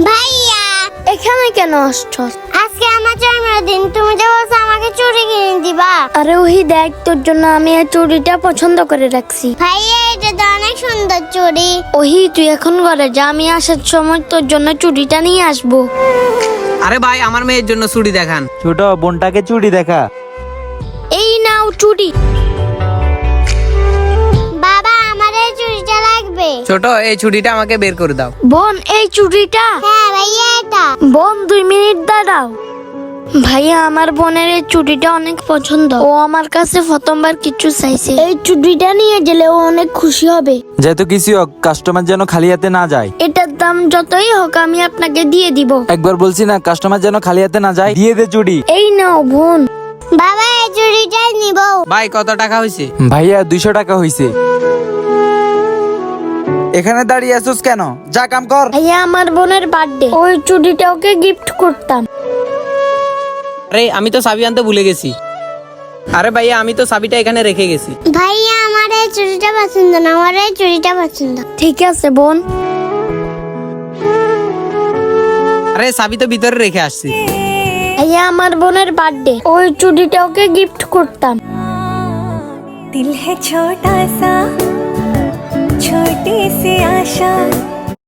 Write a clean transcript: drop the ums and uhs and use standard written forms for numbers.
ভাইয়া এখানে কেন আসছস? আজকে আমার জন্মদিন, তুমি যে বলছো আমাকে চুড়ি কিনে দিবা। আরে ওহি দেখ, তোর জন্য আমি এই চুড়িটা পছন্দ করে রাখছি। ভাইয়া এটা তো অনেক সুন্দর চুড়ি। ওহি তুই এখন ঘরে যা, আমি আসার সময় তোর জন্য চুড়িটা নিয়ে আসবো। আরে ভাই, আমার মেয়ের জন্য চুড়ি দেখান। ছোট বোনটাকে চুড়ি দেখা। এই নাও চুড়ি। বাবা আমার এই চুড়িটা লাগবে। ছোট, এই চুড়িটা আমাকে বের করে দাও। বোন এই চুড়িটা। হ্যাঁ ভাইয়া এটা। বোন 2 মিনিট দাঁড়াও। ভাইয়া আমার বোনের এই চুড়িটা অনেক পছন্দ, ও আমার কাছে প্রথমবার কিছু চাইছে। এই চুড়িটা নিয়ে গেলে ও অনেক খুশি হবে। যেহেতু কিছু হোক, কাস্টমার যেন খালি হাতে না যায়। এটার দাম যতই হোক আমি আপনাকে দিয়ে দিব। একবার বলছি না, কাস্টমার যেন খালি হাতে না যায়। দিয়ে দে চুড়ি। এই নাও বোন। বাবা এই চুড়িটাই নিব। ভাই কত টাকা হয়েছে? ভাইয়া 200 টাকা হইছে। এখানে দাঁড়িয়ে আছিস কেন? যা কাম কর। ভাইয়া আমার বোনের বার্থডে, ওই চুড়িটা ওকে গিফট করতাম। আরে আমি তো চাবি আনতে ভুলে গেছি। আরে ভাইয়া, আমি তো চাবিটা এখানে রেখে গেছি। ভাইয়া আমার এই চুড়িটা পছন্দ না, আমার এই চুড়িটা পছন্দ। ঠিক আছে বোন। আরে চাবি তো ভিতরে রেখে আসছি। ভাইয়া আমার বোনের বার্থডে, ওই চুড়িটা ওকে গিফট করতাম। दिल है छोटा सा छोटी सी आशा